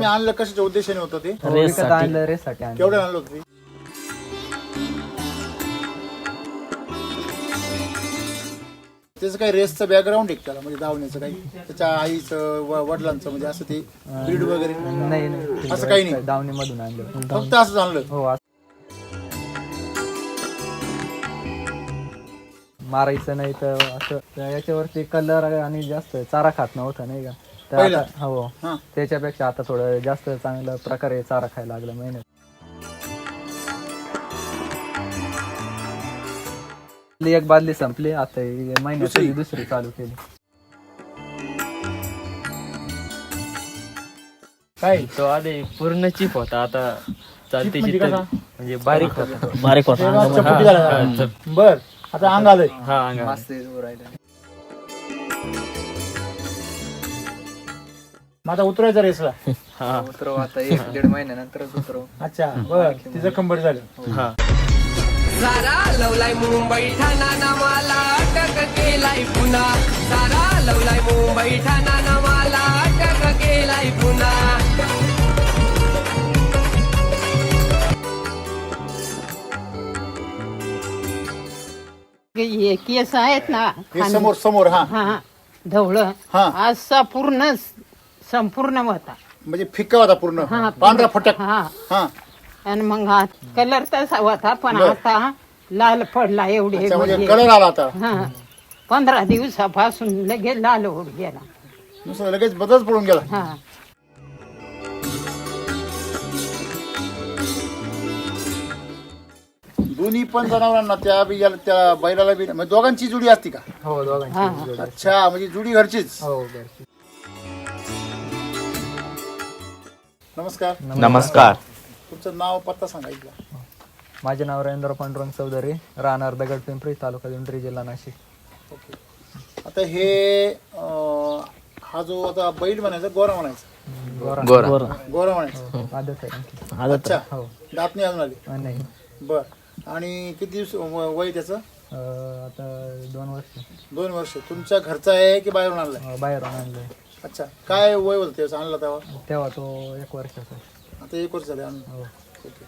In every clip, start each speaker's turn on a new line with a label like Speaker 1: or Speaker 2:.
Speaker 1: तुम्ही आणलं कशाच्या उद्देशाने होतं ते?
Speaker 2: विकत आणलं रेससाठी आणलं.
Speaker 1: केवढं आणलं होतं ते? त्याचं काही रेसचं बॅकग्राऊंड आहे त्याला, म्हणजे धावण्याचं काही त्याच्या आईचं वडिलांचं म्हणजे असं ते ब्रीड वगैरे
Speaker 2: नाही
Speaker 1: असं काही नाही,
Speaker 2: दावणी मधून आणलं.
Speaker 1: फक्त असं आणलं.
Speaker 2: हो मारायचं नाही तर असं याच्यावरती कलर आणि जास्त चारा खात नव्हता नाही का, तर आता हो त्याच्यापेक्षा आता थोडं जास्त चांगल्या प्रकारे चारा खायला लागला महिन्यात. एक बादली संपली, आता महिन्यात दुसरी चालू केली.
Speaker 1: काय
Speaker 3: तो आधी पूर्ण चिप होता, आता चालते म्हणजे बारीक होता.
Speaker 1: चपटी झाला. बर आता अंग आलंय.
Speaker 3: हा अंगा
Speaker 1: मग आता उतरायचा रेसला.
Speaker 2: उतरव आता 1-1.5 महिन्यानंतरच उतरव.
Speaker 1: अच्छा बर, तिचं कंबर झालं.
Speaker 3: हा
Speaker 4: सारा लवलाय मुंबई ठाणा नावाला अटक केलाय पुन्हा. सारा लवलाय मुंबई ठाणा नावाला अटक केलाय पुन्हा.
Speaker 5: हे केस आहेत ना
Speaker 1: हे समोर समोर हा
Speaker 5: हा ढवळ
Speaker 1: हा.
Speaker 5: असा पूर्ण संपूर्ण होता.
Speaker 1: म्हणजे फिक्का होता पूर्ण,
Speaker 5: हा,
Speaker 1: पांढरा फटक.
Speaker 5: हा
Speaker 1: हा
Speaker 5: आणि मग हा कलर तसा होता, पण आता लाल पडला एवढे
Speaker 1: अच्छा, म्हणजे
Speaker 5: म्हणजे.
Speaker 1: कलर आला आता.
Speaker 5: हा 15 दिवसापासून लगेच लाल होत गेला.
Speaker 1: नुसतं लगेच बदलच पडून गेला.
Speaker 5: हा
Speaker 1: दोन्ही पण जनावरांना त्या बैलाला बी म्हणजे दोघांची जुडी असती का?
Speaker 2: हो दोघांची.
Speaker 1: अच्छा, म्हणजे जुडी घरचीच.
Speaker 2: हो घरची.
Speaker 1: नमस्कार.
Speaker 6: नमस्कार.
Speaker 1: तुमचं नाव पत्ता सांगायचं.
Speaker 2: माझे नाव रवींद्र पांडुरंग चौधरी, राहणार दगडपिंपरी, तालुका दिंडोरी, जिल्हा नाशिक.
Speaker 1: ओके. आता हे हा जो आता बैल म्हणायचा गोरा म्हणायचा, गोरा म्हणायचा.
Speaker 2: आदत आहे.
Speaker 1: अच्छा,
Speaker 2: हो
Speaker 1: दात नाही अजून आले.
Speaker 2: नाही
Speaker 1: बर. आणि किती दिवस वय त्याचं?
Speaker 2: आता 2 वर्ष
Speaker 1: 2 वर्ष. तुमच्या घरचा आहे की बाहेरून आणलाय?
Speaker 2: बाहेरून आणलंय.
Speaker 1: अच्छा, काय वय होतं त्याचं आणला तेव्हा?
Speaker 2: तेव्हा तो 1 वर्षाचा.
Speaker 1: आता 1 वर्ष झाले आणून.
Speaker 2: हो.
Speaker 1: ओके.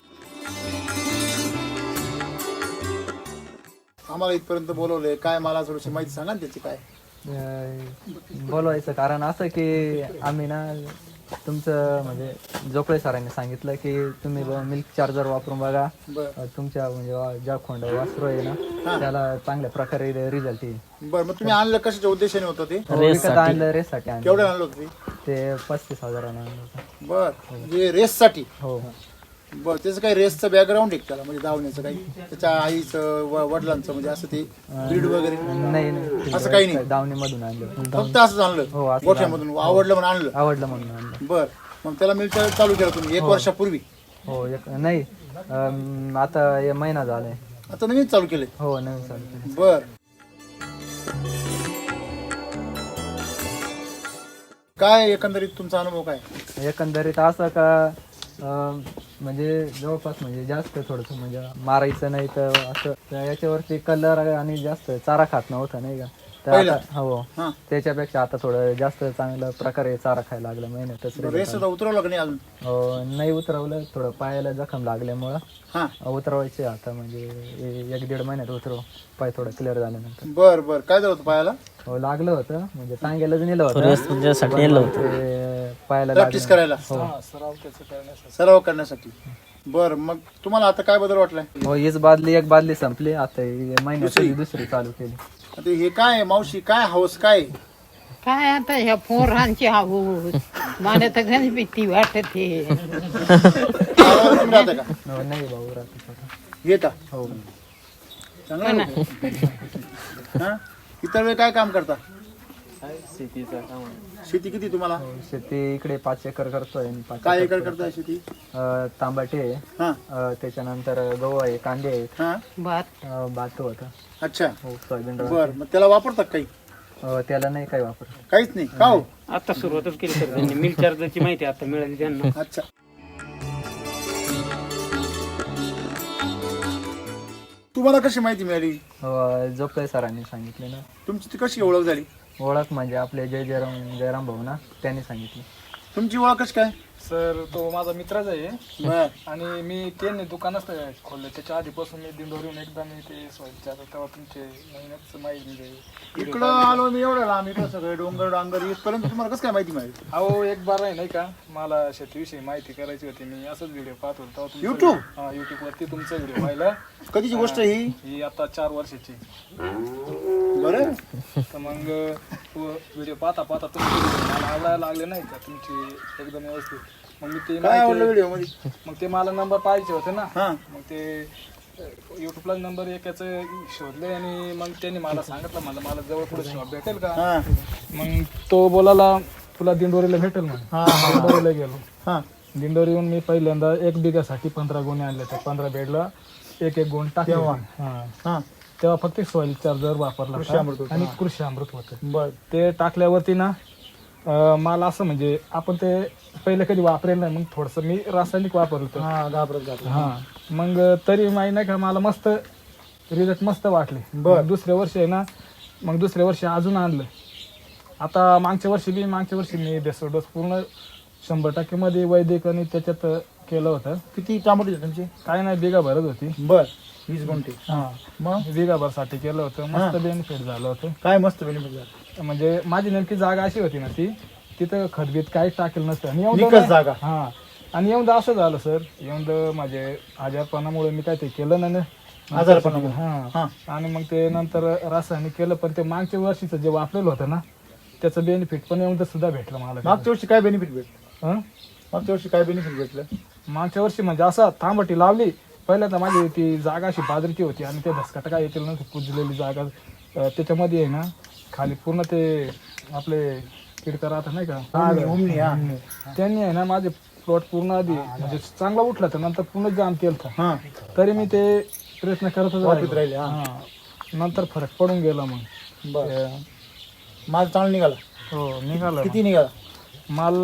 Speaker 1: आम्हाला इथपर्यंत बोलवलंय, काय मला थोडीशी माहिती सांगा ना त्याची. काय
Speaker 2: बोलवायचं कारण असं की आम्ही ना तुमचं म्हणजे जोपळे सरांनी सांगितलं की तुम्ही मिल्क चार्जर वापरून बघा,
Speaker 1: बर
Speaker 2: तुमच्या म्हणजे ज्या खोंड वासरू आहे ना त्याला चांगल्या प्रकारे रिझल्ट येईल.
Speaker 1: बर. मग तुम्ही आणलं कशाच्या उद्देशाने होतं ते?
Speaker 2: विकत आणलं रेससाठी आणलं.
Speaker 1: केवढं आणलं होतं
Speaker 2: ते 35,000 आणलं होतं.
Speaker 1: बर, म्हणजे रेससाठी.
Speaker 2: हो
Speaker 1: बर. त्याचं काही रेसचं बॅकग्राऊंड आहे त्याला, म्हणजे धावण्याचं काही त्याच्या आईचं वडिलांचं म्हणजे असं ते ब्रीड वगैरे
Speaker 2: नाही
Speaker 1: असं काही नाही,
Speaker 2: दावणी मधून आणलं.
Speaker 1: फक्त असं आणलं
Speaker 2: हो, असं
Speaker 1: गोठ्यामधून आवडलं म्हणून आणलं.
Speaker 2: आवडलं म्हणून आणलं.
Speaker 1: बर. मग त्याला मिल्क चालू केलं तुम्ही 1 वर्षापूर्वी?
Speaker 2: हो नाही आता हे महिना झालाय.
Speaker 1: आता नवीन चालू केले?
Speaker 2: हो नवीन चालू केलं.
Speaker 1: बर. काय एकंदरीत तुमचा अनुभव काय?
Speaker 2: एकंदरीत असं का म्हणजे जवळपास म्हणजे जास्त थोडस म्हणजे मारायचं नाही तर असं याच्यावरती कलर आणि जास्त चारा खात नव्हता नाही का, तर आता हो त्याच्यापेक्षा आता थोडं जास्त चांगल्या प्रकारे चारा खायला लागला महिन्यातच.
Speaker 1: रेस उतरवलं का नाही अजून?
Speaker 2: नाही उतरवलं, थोडं पायाला जखम लागल्यामुळं उतरवायचे आता, म्हणजे 1-1.5 महिन्यात उतरव, पाय थोडं क्लिअर झाल्यानंतर.
Speaker 1: बर बर. काय झालं होतं पायाला?
Speaker 2: हो लागलं होतं, म्हणजे टांग्यालाच नेलं होतं पायाला
Speaker 1: प्रॅक्टिस करायला, सराव करण्यासाठी. बर. मग तुम्हाला आता काय बदल वाटलाय?
Speaker 2: हो हीच एक बादली संपली, आता महिन्यात दुसरी चालू केली.
Speaker 1: आता हे काय मावशी, काय हौस काय?
Speaker 5: काय आता ह्या पोरांची हाऊस मला तर गणित भीती वाटते.
Speaker 1: तुम्ही राहता का?
Speaker 2: नाही भाऊ राहतो.
Speaker 1: येता?
Speaker 2: हो.
Speaker 1: चांगलं आहे. हा? इतर वेळ काय काम करता?
Speaker 3: शेतीचं काम.
Speaker 1: शेती किती तुम्हाला?
Speaker 2: शेती इकडे 5 एकर करतोय.
Speaker 1: काय एकर करताय शेती?
Speaker 2: तांबाटे आहे, त्याच्यानंतर गहू आहे, कांदे आहेत, भात होता.
Speaker 1: अच्छा.
Speaker 2: हो सोयाबीन.
Speaker 1: बर. मग त्याला वापरतात काही?
Speaker 2: त्याला नाही काही वापर.
Speaker 1: काहीच नाही का? हो,
Speaker 3: आता सुरुवातच केली सर त्यांनी. मिल्क चार्जरची माहिती आता मिळाली त्यांना.
Speaker 1: अच्छा. तुम्हाला कशी माहिती मिळाली?
Speaker 2: जोपळे सरांनी सांगितले ना.
Speaker 1: तुमची ती कशी ओळख झाली?
Speaker 2: ओळख म्हणजे आपले जयराम भाऊ ना, त्यांनी सांगितलं.
Speaker 1: तुमची ओळख कशी काय?
Speaker 6: सर तो माझा मित्रच आहे
Speaker 1: बर
Speaker 6: आणि मी त्यांनी दुकानच खोललं. त्याच्या आधीपासून मी दिंडोरीहून एकदा मी ते स्वच्छता तेव्हा तुमचे महिन्याच माहिती म्हणजे
Speaker 1: इकडं आलो मी एवढं लांब इकडं सगळे डोंगर डांगर इथपर्यंत तुम्हाला कसं काय माहिती मिळेल?
Speaker 6: अहो एक बार आहे नाही का मला शेतीविषयी माहिती करायची होती. मी असंच व्हिडिओ पाहत होतो तेव्हा तुमचा
Speaker 1: YouTube?
Speaker 6: हा युट्यूब वरती तुमचा व्हिडिओ पाहिला.
Speaker 1: कधीची गोष्ट ही?
Speaker 6: ही आता 4 वर्षाची.
Speaker 1: बरं
Speaker 6: तर मग व्हिडिओ पाहता पाहता तुमचे video मला आवडायला लागले नाही का तुमची एकदम व्यवस्थित. मग मी ते
Speaker 1: काय आवडलं
Speaker 6: माहिती-
Speaker 1: व्हिडिओ मध्ये?
Speaker 6: मग ते मला नंबर पाहिजे होते ना.
Speaker 1: हा
Speaker 6: मग ते युट्यूबला नंबर एकाचं शोधले आणि मग त्यांनी मला सांगितलं मला जवळ पुढे शॉप भेटेल का.
Speaker 1: हा
Speaker 6: मग तो बोलाला तुला दिंडोरीला भेटेल ना.
Speaker 1: हा
Speaker 6: दिंडोरीला गेलो.
Speaker 1: हा
Speaker 6: दिंडोरीहून मी पहिल्यांदा 1 बिघासाठी 15 गोणे आणले. त्या 15 बेडला एक गोण टाकले.
Speaker 1: तेव्हा?
Speaker 6: हा
Speaker 1: हा
Speaker 6: तेव्हा फक्त सॉइल चार्जर वापरला
Speaker 1: कृषी अमृत
Speaker 6: होता
Speaker 1: होतं.
Speaker 6: आणि
Speaker 1: हा.
Speaker 6: कृषी अमृत होतं.
Speaker 1: बर
Speaker 6: ते टाकल्यावरती ना मला असं म्हणजे आपण ते पहिले कधी वापरेल नाही. मग थोडंसं मी रासायनिक वापरलं होतं.
Speaker 1: हा घाबरत
Speaker 6: हा मग तरी माहिती नाही का मला मस्त रिझल्ट मस्त वाटले.
Speaker 1: बर.
Speaker 6: मग दुसऱ्या वर्षी आहे ना मग दुसऱ्या वर्षी अजून आणलं. आता मागच्या वर्षी मी बेसो डोस पूर्ण 100% मध्ये वैदिक आणि त्याच्यात केलं होतं.
Speaker 1: किती टमाटे होते तुमचे?
Speaker 6: काय नाही बिगा भरत होती.
Speaker 1: बर 20 गुंठे.
Speaker 6: हा
Speaker 1: मग
Speaker 6: बिगा भरसाठी केलं होतं. मस्त बेनिफिट झालं होतं.
Speaker 1: काय मस्त बेनिफिट झालं?
Speaker 6: म्हणजे माझी नेमकी जागा अशी होती ना ती तिथं खतबीत काहीच टाकेल नसतं आणि
Speaker 1: निकष
Speaker 6: एवढं
Speaker 1: जागा.
Speaker 6: हा आणि एवढं असं झालं सर एवढं माझे आजारपणामुळे मी काय ते केलं नाही ना.
Speaker 1: आजारपणामुळे?
Speaker 6: हा
Speaker 1: हा
Speaker 6: आणि मग ते नंतर रासायनिक केलं पण ते मागच्या वर्षीचं जे वापरलेलं होतं ना त्याचं बेनिफिट पण एवढं सुद्धा भेटलं मला.
Speaker 1: मागच्या वर्षी काय बेनिफिट भेटलं?
Speaker 6: हं?
Speaker 1: मागच्या वर्षी काय बेनिफिट भेटलं?
Speaker 6: मागच्या वर्षी म्हणजे असं तांबटी लावली पहिल्या तर माझी ती जागा अशी बाजरीची होती आणि ते धसकाट काय येतील ना कुजलेली जागा त्याच्यामध्ये आहे ना खाली पूर्ण ते आपले किडका राहतात नाही का
Speaker 1: उमणी, हा.
Speaker 6: त्यांनी आहे ना माझे प्लॉट पूर्ण आधी म्हणजे चांगला उठला तर नंतर पूर्ण जाम केलं.
Speaker 1: हा
Speaker 6: तरी मी ते प्रयत्न करतच
Speaker 1: वापरत राहिले, हा.
Speaker 6: हा. नंतर फरक पडून गेला मग.
Speaker 1: बर माल चांगला निघाला?
Speaker 6: हो निघाला.
Speaker 1: किती निघाला?
Speaker 6: माल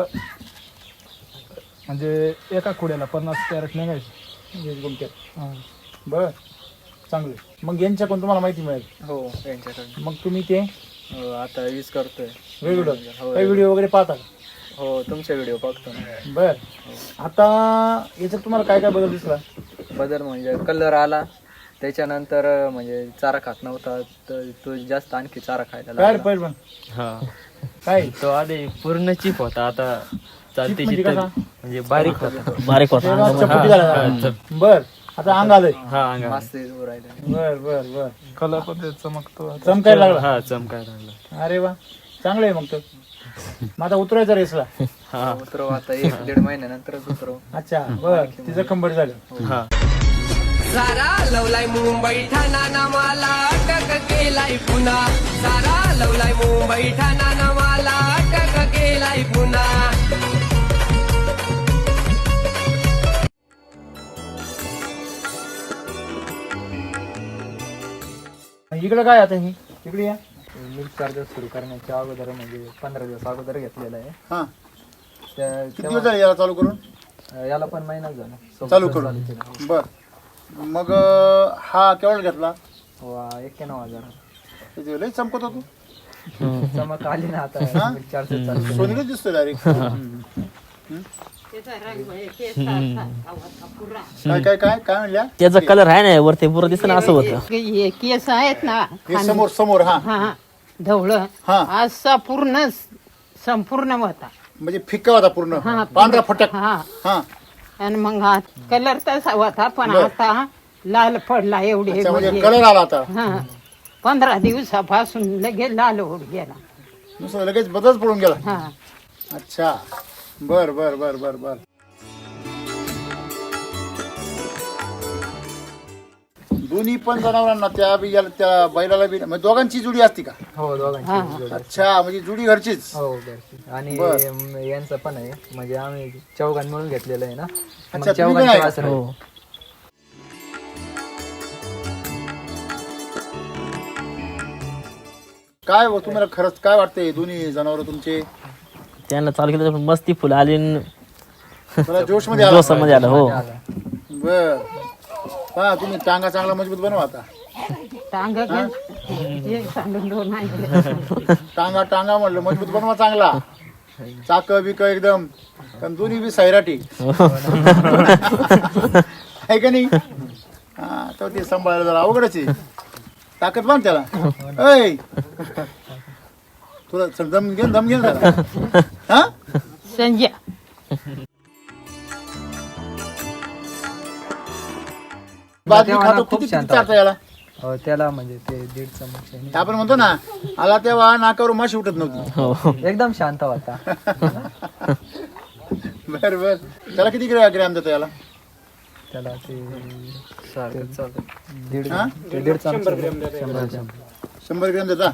Speaker 6: म्हणजे एका खुड्याला 50 कॅरेट निघायचे.
Speaker 1: 20 गुंठ्यात.
Speaker 6: हा.
Speaker 1: बर चांगले. मग यांच्याकडून तुम्हाला माहिती मिळेल?
Speaker 3: हो त्यांच्याकडे
Speaker 1: मग तुम्ही ते
Speaker 3: आता यूज करतोय.
Speaker 1: रेग्युलर
Speaker 3: हो,
Speaker 1: काही व्हिडिओ वगैरे पाहता का?
Speaker 3: हो तुमचे व्हिडिओ बघतो ना.
Speaker 1: बर आता याच्यात तुम्हाला काय काय बदल दिसला?
Speaker 2: बदल म्हणजे कलर आला त्याच्यानंतर म्हणजे चारा खात नव्हता तर तो जास्त आणखी चारा खायला
Speaker 1: काय रे
Speaker 2: लागला.
Speaker 1: पहिलवान?
Speaker 3: हा
Speaker 1: काय
Speaker 3: तो आधी पूर्ण चिप होता आता चालते
Speaker 1: म्हणजे
Speaker 3: चित्त
Speaker 1: कसा?
Speaker 3: म्हणजे बारीक होता.
Speaker 1: तेव्हा चपटी झाला. बर आता अंग आलंय.
Speaker 3: हा अंगा
Speaker 2: मस्त येऊ राहिलं.
Speaker 1: बर बर बर
Speaker 6: कलर पण ते चमकतो.
Speaker 1: चमकायला लागला.
Speaker 3: हा चमकायला लागला.
Speaker 1: अरे वा चांगलं आहे. मग तर मग आता उतरायचा रेसला?
Speaker 3: हा
Speaker 2: उतरव आता 1-1.5 महिन्यानंतरच उतरव.
Speaker 1: अच्छा बर तिचं कंबर झालं.
Speaker 3: हा
Speaker 4: सारा लवलाय मुंबई ठाणा नामाला अटक केलाय पुन्हा. सारा लवलाय मुंबई ठाणा नामाला अटक केलाय पुन्हा.
Speaker 1: इकडं काय आता ही इकडे या.
Speaker 2: मिल्क चार्जर सुरू करण्याच्या अगोदर म्हणजे 15 दिवस अगोदर घेतलेला आहे.
Speaker 1: हा
Speaker 2: त्या-
Speaker 1: किती दिवस झाले याला चालू करून?
Speaker 2: याला पण महिनाच झाला. सोबतच
Speaker 1: चालू करून.
Speaker 2: केलं.
Speaker 1: बर मग हा केवढा घेतला?
Speaker 2: हो 91,000.
Speaker 1: किती लय चमकत होतो.
Speaker 2: चमक आली ना आता
Speaker 1: हा?
Speaker 2: मिल्क चार्जर चालू.
Speaker 1: सोनीलाच दिसतोय डायरेक्ट.
Speaker 5: त्याचा रंग आहे, केसाचा होता पुरा.
Speaker 1: काय काय काय काय म्हणल्या?
Speaker 7: त्याचा कलर आहे ना वरती पुरं दिसत ना असं होतं.
Speaker 5: हे केस आहेत ना
Speaker 1: हे समोर समोर हा
Speaker 5: हा धवळ
Speaker 1: हा.
Speaker 5: असा पूर्ण संपूर्ण होता.
Speaker 1: म्हणजे फिक्का होता पूर्ण
Speaker 5: हा
Speaker 1: पांढरा फटक.
Speaker 5: हा
Speaker 1: हा
Speaker 5: आणि मग हा कलर तसा होता पण
Speaker 1: बर.
Speaker 5: आता लाल पडला एवढे
Speaker 1: अच्छा, म्हणजे
Speaker 5: म्हणजे.
Speaker 1: कलर आला आता.
Speaker 5: हा 15 दिवसापासून लगेच लाल होत गेला.
Speaker 1: नुसतं लगेच बदलच पडून गेला.
Speaker 5: हा
Speaker 1: अच्छा बर बर बर बर बर. दोन्ही पण जनावरांना त्या बियाला त्या बैलाला बी म्हणजे दोघांची जुडी असती का?
Speaker 2: हो दोघांची
Speaker 5: हा.
Speaker 2: जोडी.
Speaker 1: अच्छा म्हणजे जुडी घरचीच.
Speaker 2: हो घरची. आणि
Speaker 1: बर.
Speaker 2: यांचं पण आहे म्हणजे आम्ही चौघां मिळून घेतलेलं आहे ना.
Speaker 1: अच्छा,
Speaker 2: मग
Speaker 1: तुम्ही पण
Speaker 2: चौघांची
Speaker 1: आहे?
Speaker 2: वासरं आहे.
Speaker 7: हो
Speaker 1: काय तुम्हाला खरंच काय वाटतंय दोन्ही जनावर तुमचे?
Speaker 7: त्यांना चालू केलं पण मस्ती फुल आली न
Speaker 1: मला जोश मध्ये आला.
Speaker 7: जोशामध्ये आलं. हो
Speaker 1: बर हा तुम्ही टांगा चांगला मजबूत बनवा आता.
Speaker 5: टांग एक सांडून 2 आणले.
Speaker 1: टांगा टांगा म्हणलं मजबूत बनवा चांगला. चाक बिक एकदम पण दोन्ही बी सैराटी आहे का नाही. हा तर ते सांभाळायला जरा अवघडच आहे. ताकद बांध त्याला. ऐ तुला दम घेऊन जरा. हा
Speaker 5: संजय
Speaker 1: बादली
Speaker 2: तेव्हा
Speaker 1: खातो
Speaker 2: ना खूप
Speaker 1: किती
Speaker 2: शांत
Speaker 1: चालतं याला.
Speaker 2: हो, त्याला म्हणजे ते 1.5 चमच आहे
Speaker 1: आपण म्हणतो ना आला तेव्हा नाकावर माशी उठत नव्हती.
Speaker 7: हो
Speaker 2: ना. एकदम शांत होता.
Speaker 1: बर बर त्याला किती ग्रॅम देतो याला.
Speaker 2: त्याला ते
Speaker 3: सारखं चालतं.
Speaker 2: 1.5 चमच 100 ग्रॅम.
Speaker 1: 100 ग्रॅम देता.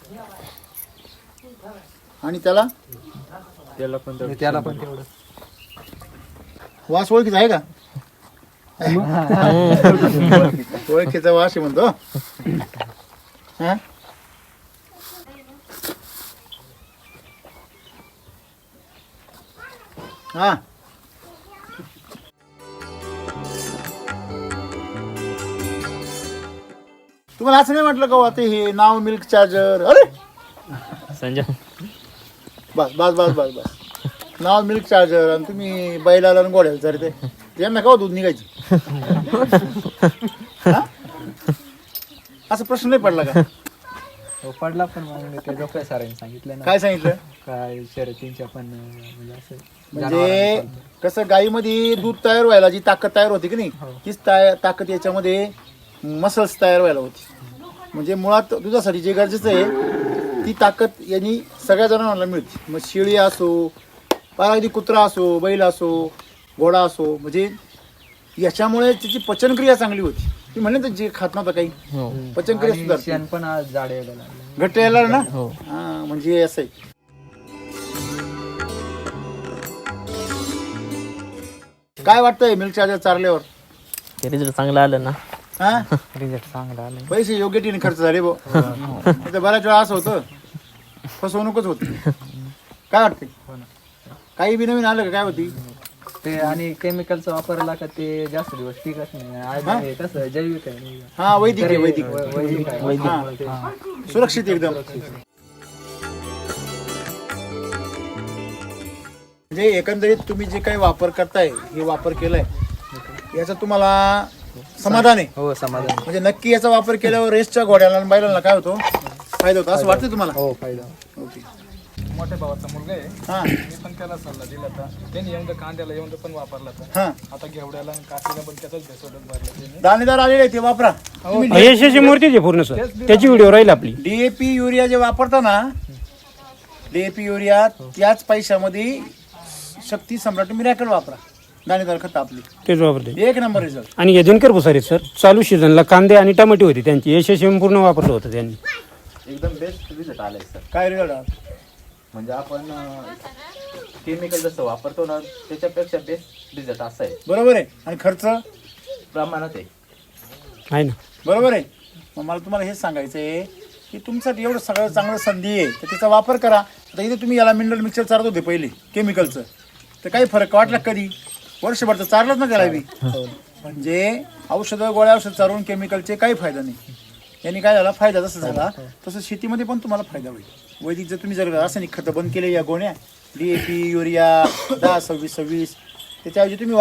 Speaker 1: आणि त्याला
Speaker 3: त्याला पण
Speaker 2: त्याला पण तेवढं.
Speaker 1: वास ओळखीचा आहे का. ओळखीचा वास आहे म्हणतो. हा? हा तुम्हाला असं नाही म्हटलं का आता हे नाव मिल्क चार्जर. अरे
Speaker 7: संजय
Speaker 1: बस बस बस बस बस नाव मिल्क चार्जर आणि तुम्ही बैलाला आणि गोड्याला तर ते यांना का दूध निघायचं. हा? असं प्रश्न नाही पडला का.
Speaker 2: हो, पडला पण मग ते डॉक्टर सरांनी सांगितलं ना
Speaker 1: काय सांगितलं.
Speaker 2: काय शर्यतींच्या पण म्हणजे असं
Speaker 1: म्हणजे कसं गाईमध्ये दूध तयार व्हायला जी ताकद तयार होती की नाही तीच ताकद याच्यामध्ये मसल्स तयार व्हायला होती. म्हणजे मुळात दुधासाठी जे गरजेचं आहे ती ताकद यांनी सगळ्या जणांना मिळते. मग शेळी असो अगदी कुत्रा असो बैल असो घोडा असो म्हणजे याच्यामुळे त्याची पचनक्रिया चांगली होती. ती म्हणले तर जे खात नव्हतं काही पचनक्रिया
Speaker 2: आणि
Speaker 1: सुधारते.
Speaker 2: शेण पण आज जाड यायला लागलं.
Speaker 1: घट्ट यायला ना. हा म्हणजे असं आहे. काय वाटतंय मिल्क चार्जर चारल्यावर.
Speaker 7: ते रिझल्ट चांगलं आलं ना.
Speaker 1: हा
Speaker 2: रिझल्ट चांगला आला.
Speaker 1: पैसे योग्य टीने खर्च झाले भाऊ. इथं बऱ्याच वेळा असं होतं फसवणूकच होती. काय वाटते काही बी नवीन आलं का काय होती.
Speaker 2: ते आणि केमिकलचा वापरला का ते जास्त दिवस टिकत नाही. आज हे कसं जैविक आहे नाही का?
Speaker 1: हा वैदिक आहे वैदिक.
Speaker 2: वैदिक आहे.
Speaker 1: हा.
Speaker 2: हा.
Speaker 1: सुरक्षित एकदम. म्हणजे एकंदरीत तुम्ही जे काही वापर करताय हे वापर केलाय याचा तुम्हाला समाधान आहे.
Speaker 2: हो समाधान.
Speaker 1: म्हणजे नक्की याचा वापर केल्यावर रेसच्या घोड्याला आणि बैलांना काय होतो फायदा होतो असं वाटतं तुम्हाला.
Speaker 2: हो फायदा.
Speaker 1: ओके.
Speaker 6: मोठ्या भावाचा मुलगा आहे.
Speaker 1: हा
Speaker 6: मी पण त्याला सल्ला दिला होता. त्यांनी येऊन कांद्याला येऊन पण वापरला होता.
Speaker 1: हा
Speaker 6: आता घेवड्याला आणि काशीला पण त्याचाच भेसवडत भरला त्याने.
Speaker 1: दाणेदार आलेले आहे ते वापरा.
Speaker 8: यशाची मूर्तीच आहे पूर्ण सर. त्याची व्हिडिओ राहील आपली.
Speaker 1: डीएपी युरिया जे वापरता ना डीएपी युरिया त्याच पैशामध्ये शक्ती सम्राट मिरॅकल वापरा. दाणेदार खत आपली
Speaker 8: तेच वापरते.
Speaker 1: एक नंबर रिझल्ट.
Speaker 8: आणि हे दिनकर भुसारे सर चालू सीझनला कांदे आणि टमाटे होते त्यांची यशस्वी पूर्ण वापरलं होतं त्यांनी.
Speaker 9: एकदम बेस्ट रिझल्ट आलाय सर.
Speaker 1: काय रिझल्ट
Speaker 9: म्हणजे आपण केमिकल जसं वापरतो ना त्याच्यापेक्षा बेस्ट रिझल्ट असा आहे.
Speaker 1: बरोबर आहे. आणि खर्च
Speaker 9: प्रमाणात
Speaker 8: आहे ना.
Speaker 1: बरोबर आहे. मग मला तुम्हाला हेच सांगायचं आहे की तुमच्यासाठी एवढं सगळं चांगलं संधी आहे तर त्याचा वापर करा. आता इथे तुम्ही याला मिनरल मिक्सर चारत होते पहिले केमिकलचं तर काही फरक वाटला कधी. वर्षभर तर चारलंच ना त्याला बी. म्हणजे औषधं गोळ्या औषध चारून केमिकलचे काही फायदा नाही. यांनी काय झाला फायदा जसा झाला तसं शेतीमध्ये पण तुम्हाला फायदा होईल. वैदिक जर तुम्ही जर रासायनिक खतं बंद केले या गोण्या डीएपी युरिया 10-26-26 त्याच्याऐवजी तुम्ही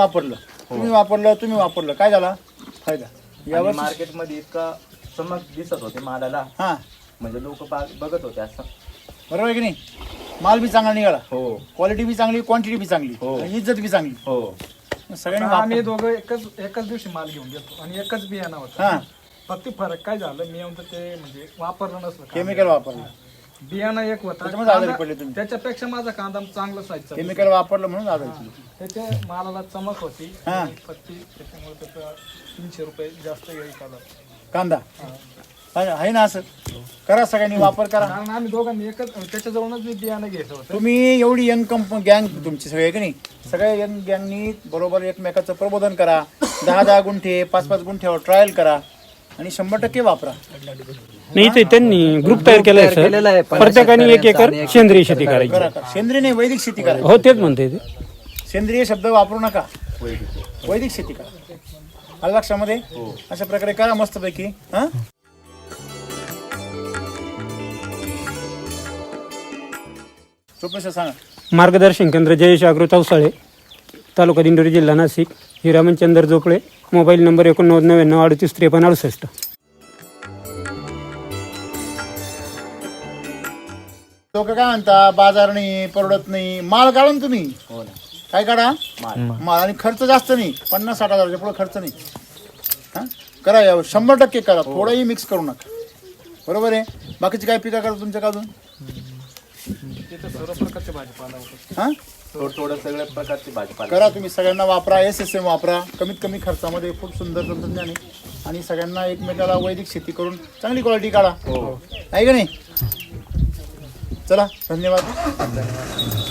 Speaker 1: वापरलं काय झाला फायदा.
Speaker 9: आणि मार्केटमध्ये इतका चमक दिसत होते मालाला.
Speaker 1: हा
Speaker 9: म्हणजे लोक बघत होते असं.
Speaker 1: बरोबर आहे की नाही. माल बी चांगला निघाला.
Speaker 9: हो
Speaker 1: क्वालिटी बी चांगली क्वांटिटी बी चांगली आणि इज्जत बी चांगली.
Speaker 9: हो
Speaker 1: सगळ्यांनी
Speaker 6: आम्ही दोघं एकच दिवशी माल घेऊन गेलो आणि एकच बियाणं होता.
Speaker 1: हा
Speaker 6: फक्त फरक काय झालं मी येऊन ते म्हणजे वापरलं नसलं.
Speaker 1: केमिकल वापरलं
Speaker 6: बियाणं एक होता.
Speaker 1: त्याच्यामुळे आजारी पडले तुम्ही.
Speaker 6: त्याच्यापेक्षा माझा कांदा चांगला साईजचा.
Speaker 1: केमिकल वापरलं म्हणून आजारी पडले.
Speaker 6: त्याच्या मालाला चमक होती.
Speaker 1: हा.
Speaker 6: पत्ती त्याच्यामुळे त्याचा 300 रुपये जास्त येईल
Speaker 1: कांदा आहे ना. असं करा सगळ्यांनी वापर करा.
Speaker 6: कारण आम्ही दोघांनी एकच त्याच्याजवळूनच मी बियाणं घ्यायचं होतं.
Speaker 1: तुम्ही एवढी यंग गँग तुमची सगळे की नाही सगळ्या यंग गँगनी बरोबर एकमेकाचं प्रबोधन करा. 10-10 गुंठे 5-5 गुंठ्यावर ट्रायल करा आणि 100% वापरा.
Speaker 8: नाही ते त्यांनी ग्रुप तयार केलाय सर. प्रत्येकाने 1 एकर सेंद्रिय शेती करायची.
Speaker 1: करा सेंद्रिय नाही वैदिक शेती करा.
Speaker 8: हो तेच म्हणते ते.
Speaker 1: सेंद्रिय शब्द वापरू नका. वैदिक शेती करा. आलं लक्षामध्ये. अशा प्रकारे करा मस्तपैकी. हा प्रोफेसर सांगा.
Speaker 8: मार्गदर्शन केंद्र जयेश अग्रो चौसाळे, तालुका दिंडोरी, जिल्हा नाशिक. Hiramanchandra Jopale, mobile number 8999385368.
Speaker 1: लोक काय म्हणता बाजार नाही, परवडत नाही. माल काढा ना तुम्ही. काय काढा माल. आणि खर्च जास्त नाही, 50-60 हजाराच्या पुढे खर्च नाही. हा करा, 100% करा, थोडंही मिक्स करू नका. बरोबर आहे. बाकीची काय पिका करा तुमच्या अजून? हा
Speaker 9: थोडं सगळ्या प्रकारची भाजीपाला
Speaker 1: करा तुम्ही. सगळ्यांना वापरा, SSM वापरा. कमीत कमी खर्चामध्ये खूप सुंदर तंत्रज्ञान आहे. आणि सगळ्यांना एकमेकाला वैदिक शेती करून चांगली क्वालिटी काढा. आहे का नाही? चला, धन्यवाद.